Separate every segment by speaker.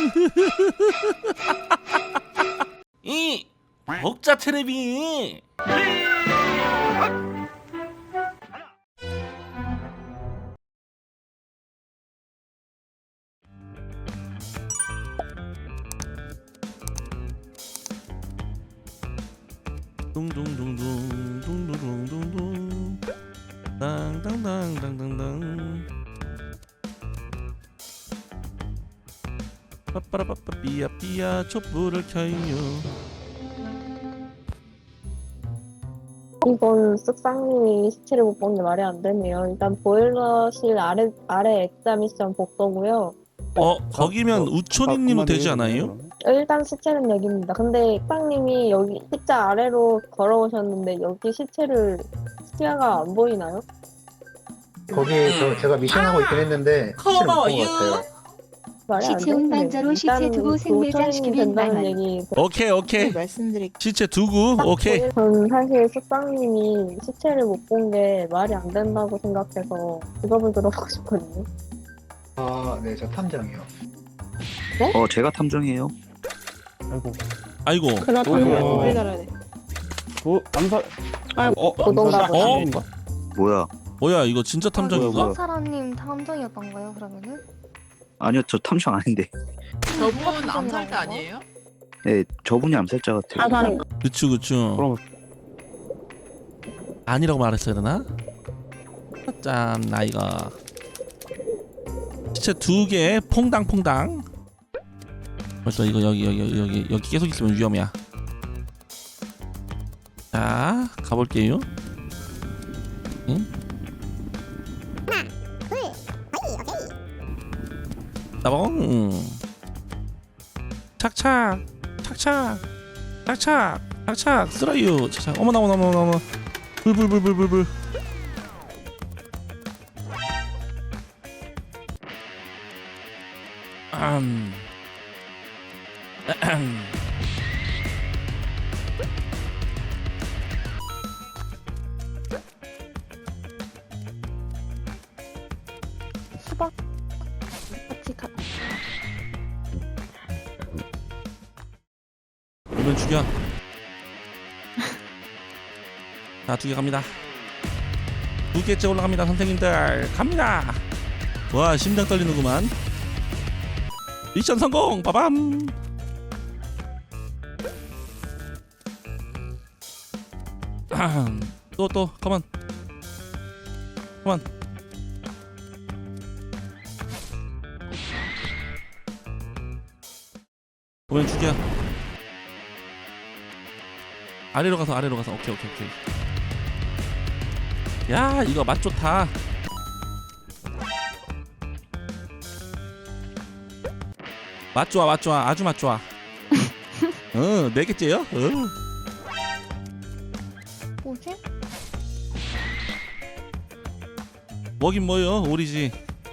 Speaker 1: 이 복자 테레비. 둥둥둥둥 둥둥둥둥 땅땅땅땅땅땅 빠빠라빠빠 삐야삐야 촛불을 켜요.
Speaker 2: 이건 쓱상님이 시체를 못 본 게 말이 안 되네요. 일단 보일러실 아래 액자 미션 복도고요.
Speaker 1: 거기면 우촌이님은 되지 않아요?
Speaker 2: 일단 시체는 여기입니다. 근데 쓱상님이 여기 십자 아래로 걸어오셨는데 여기 시체가 안 보이나요?
Speaker 3: 거기 제가 미션하고 있긴 했는데 시체를 못 본 것 같아요.
Speaker 2: 말이 안
Speaker 4: 시체 운반자로 시체 두고 생매장시키면
Speaker 2: 된다는
Speaker 4: 만원.
Speaker 2: 얘기.
Speaker 1: 오케이
Speaker 5: 말씀드릴게요.
Speaker 1: 시체 두고 오케이.
Speaker 2: 전 사실 쓱상님이 시체를 못 본 게 말이 안 된다고 생각해서 직업을 들어보고 싶거든요.
Speaker 3: 아, 네, 저 탐정이요.
Speaker 6: 제가 탐정이에요.
Speaker 1: 아이고
Speaker 5: 그렇다면 우리 달아야 돼.
Speaker 7: 암살.
Speaker 2: 고동가
Speaker 1: 뭐야 이거 진짜 탐정인가?
Speaker 6: 뭐야.
Speaker 8: 사람님 탐정이었던가요 그러면은?
Speaker 6: 아니요, 저 탐정 아닌데.
Speaker 5: 저분 암살자 아니에요?
Speaker 6: 네, 저분이 암살자 같아요.
Speaker 5: 사살인.
Speaker 1: 그쵸
Speaker 7: 그럼
Speaker 1: 아니라고 말했어야 되나? 짠 나이가 시체 2개 퐁당퐁당. 벌써 이거 여기 계속 있으면 위험이야. 자 가볼게요. 응? 나봉 착착 쓰라유 착착. 어머나 불불불불불불.
Speaker 8: 수박 같이 가.
Speaker 1: 오면 죽여. 자 2개 갑니다. 2개째 올라갑니다 선생님들. 갑니다. 와 심장 떨리는구만. 미션 성공. 빠밤. 또 컴온 보면 죽여. 아래로 가서 오케이. 야 이거 맛 좋다. 맛 좋아 아주 맛 좋아. 4개째요?
Speaker 8: 뭐지?
Speaker 1: 뭐긴 뭐요 오리지.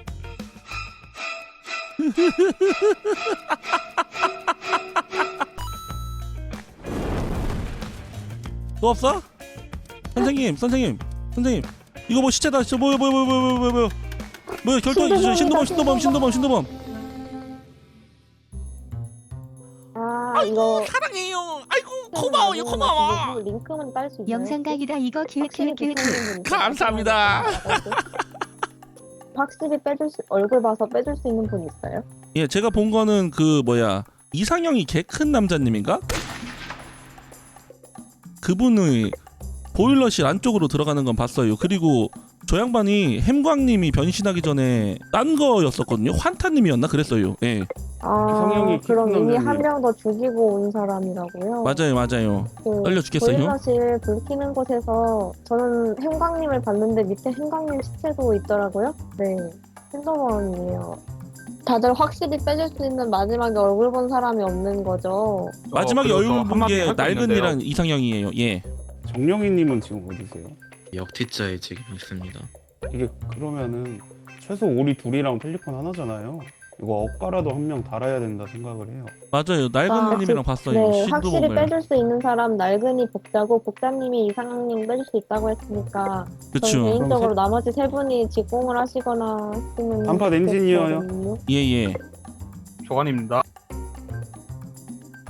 Speaker 1: 또 없어? 선생님 이거 뭐 시체다. 진짜 뭐야 결투 신도범.
Speaker 2: 이거
Speaker 1: 사랑해요. 아이고 고마워.
Speaker 2: 링크만 딸 수 있나요?
Speaker 4: 영상 각이다 이거 기획.
Speaker 1: 감사합니다.
Speaker 2: 확실히 얼굴 봐서 빼줄 수 있는 분 있어요?
Speaker 1: 예 제가 본 거는 이상형이 개 큰 남자님인가? 그분의 보일러실 안쪽으로 들어가는 건 봤어요. 그리고 저 양반이 햄광님이 변신하기 전에 딴 거였었거든요. 환타님이었나 그랬어요. 예
Speaker 7: 이상형이
Speaker 2: 그럼
Speaker 7: 깊은
Speaker 2: 이미
Speaker 7: 남자님.
Speaker 2: 한 명 더 죽이고 온 사람이라고요?
Speaker 1: 맞아요. 떨려 죽겠어요.
Speaker 2: 보일러실 불 켜는 곳에서 저는 햄광님을 봤는데 밑에 햄광님 시체도 있더라고요. 네, 핸드원이에요. 다들 확실히 빼줄 수 있는 마지막에 얼굴 본 사람이 없는 거죠.
Speaker 1: 마지막에
Speaker 7: 그래서
Speaker 1: 얼굴 본
Speaker 7: 한마디
Speaker 1: 게
Speaker 7: 할거
Speaker 1: 낡은이랑 이상형이에요. 예.
Speaker 7: 정령이님은 지금 어디세요?
Speaker 9: 역티자에 지금 있습니다.
Speaker 7: 이게 그러면은 최소 우리 둘이랑 펠리컨 하나잖아요. 이거 억가라도 한 명 달아야 된다 생각을 해요.
Speaker 1: 맞아요. 낡은님이랑 봤어요.
Speaker 2: 네, 확실히
Speaker 1: 신도범을.
Speaker 2: 빼줄 수 있는 사람 낡은이 복자고 복자님이 이상형님 빼줄 수 있다고 했으니까 저는
Speaker 1: 그쵸.
Speaker 2: 개인적으로 나머지 세 분이 직공을 하시거나 했으면
Speaker 7: 단팥 엔지니어요.
Speaker 2: 좋겠거든요.
Speaker 1: 예.
Speaker 10: 조관입니다.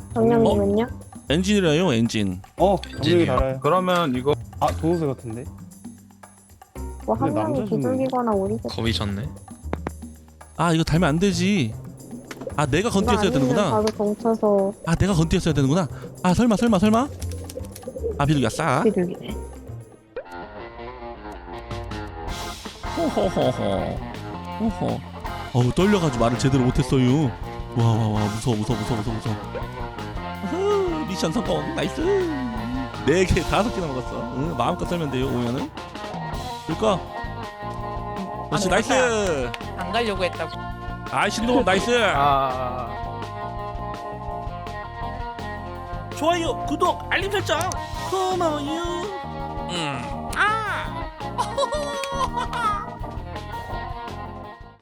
Speaker 2: 정령님은요?
Speaker 1: 엔진이라요 엔진.
Speaker 7: 정력이 달아요.
Speaker 10: 그러면 이거
Speaker 7: 도우새 같은데?
Speaker 2: 뭐 한
Speaker 7: 근데
Speaker 2: 명이
Speaker 7: 남자분은-
Speaker 2: 비둘기거나 오리겠다.
Speaker 9: 겁이 졌네.
Speaker 1: 아 이거 달면 안 되지. 아 내가 건띠였어야 되는구나.
Speaker 2: 바로 동쳐서
Speaker 1: 아 내가 건띠였어야 되는구나. 아 설마. 아 비둘기가 싸.
Speaker 2: 비둘기네.
Speaker 1: 호호호호. 어우 떨려가지고 말을 제대로 못했어요. 와 무서워. 아흐, 미션 성공 나이스. 4개 5개나 먹었어. 응, 마음껏 썰면 돼요 오면은. 줄까? 그렇지 나이스.
Speaker 5: 안 가려고 했다고.
Speaker 1: 아이 신동엽 나이스. 좋아요 구독 알림 설정 고마워요.